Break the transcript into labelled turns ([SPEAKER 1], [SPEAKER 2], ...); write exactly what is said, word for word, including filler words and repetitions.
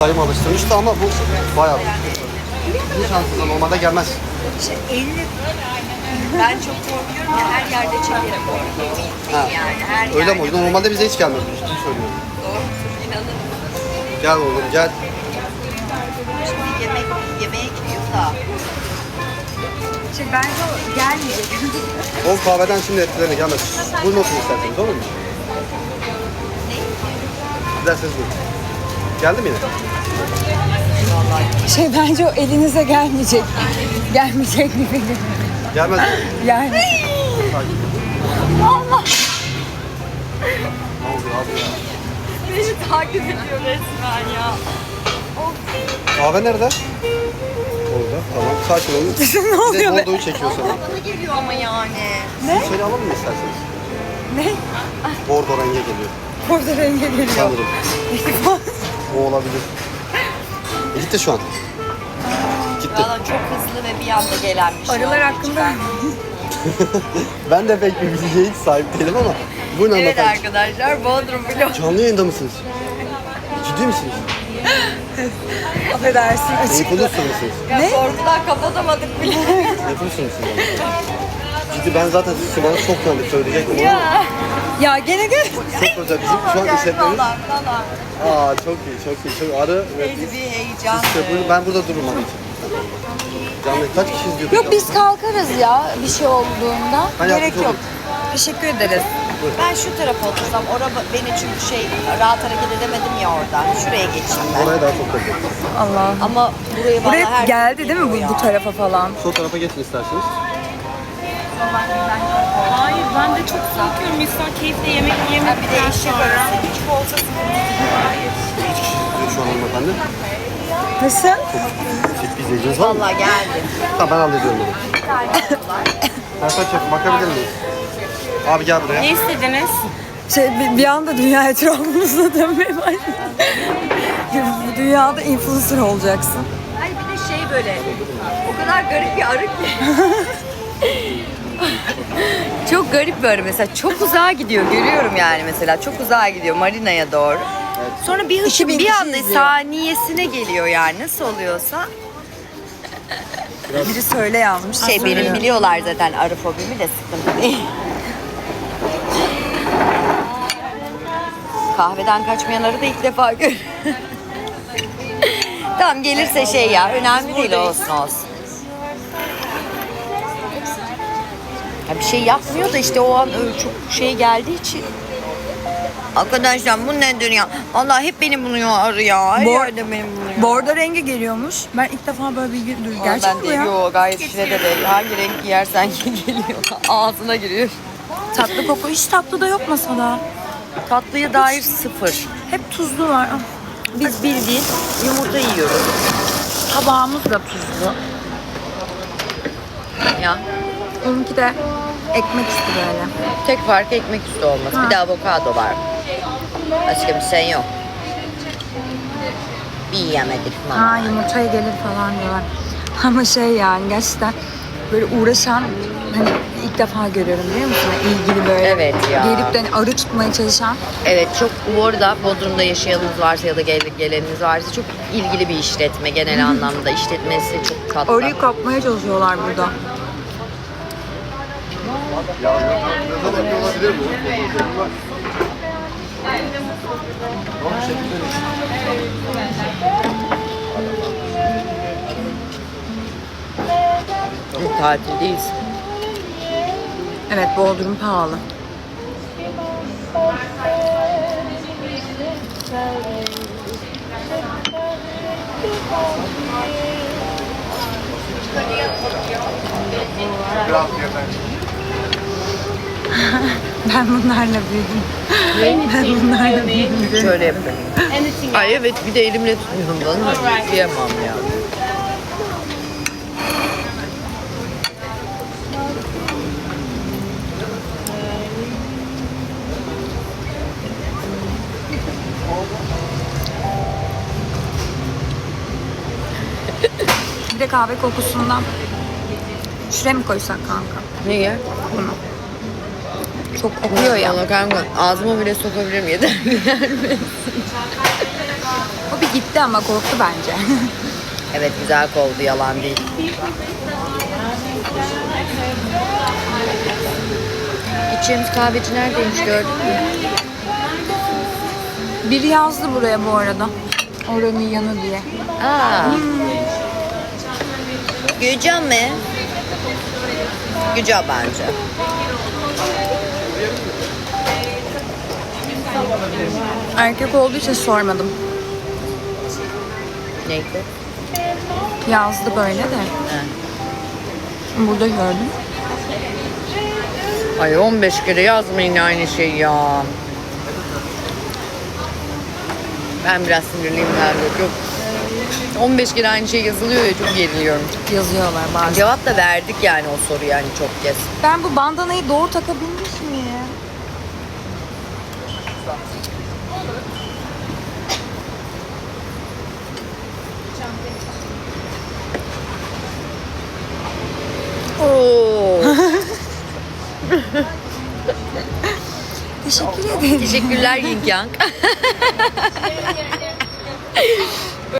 [SPEAKER 1] Dayım alıştırmıştı ama bu bayağı bu şanssızla normalde gelmez.
[SPEAKER 2] İşte elini ben çok korkuyorum ya, her yerde çekerim korkuyorum.
[SPEAKER 1] Ha.
[SPEAKER 2] Yani her
[SPEAKER 1] Öyle
[SPEAKER 2] yerde.
[SPEAKER 1] mi oluyor? Normalde bize hiç gelmiyor. Ciddi söylüyorum.
[SPEAKER 2] Doğru, inanın.
[SPEAKER 1] Gel oğlum gel.
[SPEAKER 2] Şimdi yemek yemeğe gidiyor da. Şey, bence o gelmeyecek.
[SPEAKER 1] O kahveden şimdi etkilerine gelmez. Buyurun oturun isterseniz, olur mu?
[SPEAKER 2] Ne?
[SPEAKER 1] Giderseniz buyurun. Geldi mi yine?
[SPEAKER 2] Vallahi.
[SPEAKER 3] Şey bence o elinize gelmeyecek. Gelmeyecek gibi.
[SPEAKER 1] Gelmez mi?
[SPEAKER 3] Yani.
[SPEAKER 2] Allah.
[SPEAKER 1] Ne oldu abi ya?
[SPEAKER 2] Beni takip ediyor resmen ya.
[SPEAKER 1] Kahve nerede? Orada. Tamam. Sakin olun.
[SPEAKER 3] Ne oluyor
[SPEAKER 1] Bir de
[SPEAKER 3] be?
[SPEAKER 1] Bordo'yu çekiyor sana.
[SPEAKER 2] Bana geliyor ama yani.
[SPEAKER 1] Ne? Şöyle alalım mı isterseniz?
[SPEAKER 3] Ne?
[SPEAKER 1] Bordo renge geliyor.
[SPEAKER 3] Burada renge geliyor.
[SPEAKER 1] Sanırım. O olabilir. E, gitti şu an. Gitti.
[SPEAKER 2] Valla çok hızlı ve bir anda gelen bir şey.
[SPEAKER 3] Arılar
[SPEAKER 2] olduğu
[SPEAKER 3] hakkında.
[SPEAKER 2] için
[SPEAKER 1] Ben de pek bir bilgiye hiç sahip değilim ama buyurun
[SPEAKER 2] ben- Evet
[SPEAKER 1] hanımefendi.
[SPEAKER 2] arkadaşlar, Bodrum vlog.
[SPEAKER 1] Canlı yayında mısınız? Ciddi misiniz?
[SPEAKER 3] Affedersin açık.
[SPEAKER 1] Influencer mısınız?
[SPEAKER 2] Ya
[SPEAKER 3] Ne?
[SPEAKER 2] korkudan kapatamadık bile.
[SPEAKER 1] Influencer mısınız? Ciddi ben zaten sizi bana çok tanıdık söyleyecektim ama
[SPEAKER 2] Ya.
[SPEAKER 3] Ya gene gel.
[SPEAKER 1] çok özel. Bizim şu an işletmemiz.
[SPEAKER 2] Falan falan.
[SPEAKER 1] Aa çok iyi çok iyi. Çok arı ve
[SPEAKER 2] Neydi
[SPEAKER 1] biz.
[SPEAKER 2] bir heyecan.
[SPEAKER 1] İşte buyurun, ben burada dururum onun için. Canlı kaç kişi izliyor?
[SPEAKER 3] Yok biz kalkarız ya bir şey olduğunda.
[SPEAKER 1] Ben
[SPEAKER 3] Gerek
[SPEAKER 1] yardımcı
[SPEAKER 3] yok.
[SPEAKER 1] olayım.
[SPEAKER 3] Teşekkür ederiz.
[SPEAKER 2] Ben şu tarafa otursam, orada beni çünkü şey rahat hareket edemedim ya oradan. Şuraya geçeyim ben.
[SPEAKER 1] Oraya daha çok takılıyor.
[SPEAKER 3] Allah.
[SPEAKER 2] Ama buraya bana
[SPEAKER 3] Buraya
[SPEAKER 2] her
[SPEAKER 3] geldi
[SPEAKER 2] gün
[SPEAKER 3] değil mi
[SPEAKER 2] geliyor
[SPEAKER 3] bu, bu
[SPEAKER 2] ya.
[SPEAKER 3] tarafa falan?
[SPEAKER 1] Sol tarafa geçin isterseniz.
[SPEAKER 4] Hayır, ben de çok korkuyorum. İnsan keyifle yemek
[SPEAKER 2] Ha,
[SPEAKER 4] yemek
[SPEAKER 2] bir de eşek arası küçük olsa
[SPEAKER 1] Kaç kişi izliyor şu an hanımefendi?
[SPEAKER 3] Nasıl?
[SPEAKER 1] Çift bir izleyiciniz var mı?
[SPEAKER 2] Valla geldi.
[SPEAKER 1] Tamam ben hallediyorum onu. Perfect Chef bakabilir miyiz? Abi gel buraya.
[SPEAKER 4] Ne istediniz?
[SPEAKER 3] Şey bir, bir anda dünya etrafımızda dönmeye başladı. Bu dünyada influencer olacaksın.
[SPEAKER 2] Hayır, bir de şey böyle o kadar garip bir arı ki. Çok garip bir arı mesela. Çok uzağa gidiyor. Görüyorum yani mesela. Çok uzağa gidiyor marinaya doğru. Sonra bir hışım
[SPEAKER 3] bin
[SPEAKER 2] bir
[SPEAKER 3] kişi
[SPEAKER 2] anda
[SPEAKER 3] izliyor.
[SPEAKER 2] saniyesine geliyor yani. Nasıl oluyorsa.
[SPEAKER 3] Biri söyle yazmış.
[SPEAKER 2] Şey benim
[SPEAKER 3] Söylüyor.
[SPEAKER 2] biliyorlar zaten arı fobimi de sıkıntı değil. Kahveden kaçmayan arı da ilk defa gör. Tamam gelirse şey ya önemli değil olsun olsun. Ya bir şey yapmıyor da işte o an öyle çok şey geldiği için. Arkadaşlar bu nedir ya? Allah hep beni buluyor arı ya. Her
[SPEAKER 3] Bor-
[SPEAKER 2] yerde beni buluyor.
[SPEAKER 3] Bordo rengi geliyormuş. Ben ilk defa böyle bilgi duydum. Gerçek
[SPEAKER 2] ben
[SPEAKER 3] mi bu
[SPEAKER 2] de
[SPEAKER 3] ya?
[SPEAKER 2] yok gayet şirede de hangi renk giyersen geliyor. Ağzına giriyor.
[SPEAKER 3] Tatlı koku. Hiç tatlı da yok masada.
[SPEAKER 2] Tatlıya dair sıfır.
[SPEAKER 3] Hep tuzlu var. Ah,
[SPEAKER 2] Biz bildiğin yumurta yiyoruz.
[SPEAKER 3] tabağımız da tuzlu.
[SPEAKER 2] Ya
[SPEAKER 3] Onunki de ekmek üstü böyle.
[SPEAKER 2] tek fark ekmek üstü olması.
[SPEAKER 3] Ha.
[SPEAKER 2] Bir de avokado var. Başka bir şey yok. Bir yiyemedik mama.
[SPEAKER 3] Ha yumurtaya gelir falan diyorlar. Ama şey yani gerçekten böyle uğraşan hani ilk defa görüyorum biliyor musun? İlgili böyle
[SPEAKER 2] Evet ya.
[SPEAKER 3] gelip de hani arı tutmaya çalışan.
[SPEAKER 2] Evet çok bu arada Bodrum'da yaşayanınız varsa ya da gel, geleniniz varsa çok ilgili bir işletme genel anlamda. İşletmesi çok tatlı.
[SPEAKER 3] Arıyı kapmaya çalışıyorlar burada.
[SPEAKER 1] Olabilir mi?
[SPEAKER 2] Tatildeyiz.
[SPEAKER 3] Evet Bodrum pahalı. Ben bunlarla büyüdüm. Ben bunlarla büyüdüm.
[SPEAKER 2] Şöyle yapıyorum. Ay evet bir de elimle tutuyorum bana. Yiyemem ya.
[SPEAKER 3] Bir de kahve kokusundan şuraya mı koysak kanka?
[SPEAKER 2] Niye?
[SPEAKER 3] Bunu. Çok kokuyor ya.
[SPEAKER 2] Valla kanka ağzıma bile sokabilirim yeter.
[SPEAKER 3] O bir gitti ama korktu bence.
[SPEAKER 2] Evet güzel kovdu, yalan değil. İçeceğimiz kahveci neredeymiş gördün mü?
[SPEAKER 3] Biri yazdı buraya bu arada. Oranın yanı diye.
[SPEAKER 2] Aa. Güzel mi? Güzel bence.
[SPEAKER 3] Erkek olduğu için sormadım.
[SPEAKER 2] Neydi?
[SPEAKER 3] Yazdı böyle de.
[SPEAKER 2] Ha.
[SPEAKER 3] Burada gördüm.
[SPEAKER 2] Ay on beş kere yazmayın aynı şeyi ya. Ben biraz sinirliyim galiba. Çok on beş kere aynı şey yazılıyor ya, çok geriliyorum.
[SPEAKER 3] Yazıyorlar bazen.
[SPEAKER 2] Cevap da verdik yani o soruyu yani çok kez.
[SPEAKER 3] Ben bu bandanayı doğru takabilmiş miyim?
[SPEAKER 2] Oo.
[SPEAKER 3] Teşekkür ederim.
[SPEAKER 2] Teşekkürler Yin Yang.